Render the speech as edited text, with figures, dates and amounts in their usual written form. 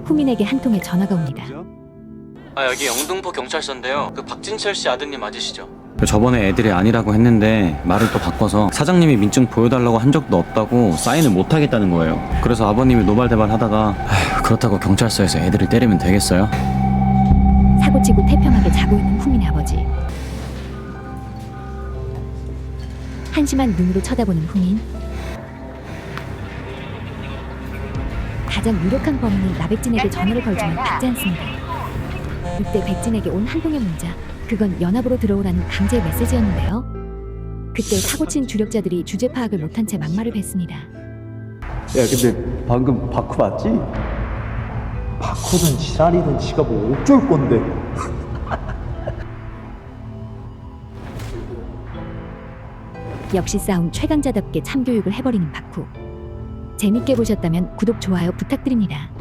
후민에게 한 통의 전화가 옵니다. 여기 영등포 경찰서인데요. 그 박진철 씨 아드님 맞으시죠? 저번에 애들이 아니라고 했는데 말을 또 바꿔서 사장님이 민증 보여달라고 한 적도 없다고 사인을 못 하겠다는 거예요. 그래서 아버님이 노발대발 하다가 그렇다고 경찰서에서 애들을 때리면 되겠어요? 사고치고 태평하게 자고 있는 후민의 아버지. 한심한 눈으로 쳐다보는 후민. 가장 유력한 범인인 나백진에게 전화를 걸지만 받지 않습니다. 이때 백진에게 온 한 통의 문자. 그건 연합으로 들어오라는 강제 메시지였는데요. 그때 사고친 주력자들이 주제 파악을 못한 채 막말을 뱉습니다. 야 근데 방금 바쿠 맞지? 바쿠든 지랄이든 지가 뭐 어쩔 건데. 역시 싸움 최강자답게 참교육을 해버리는 바쿠. 재밌게 보셨다면 구독, 좋아요 부탁드립니다.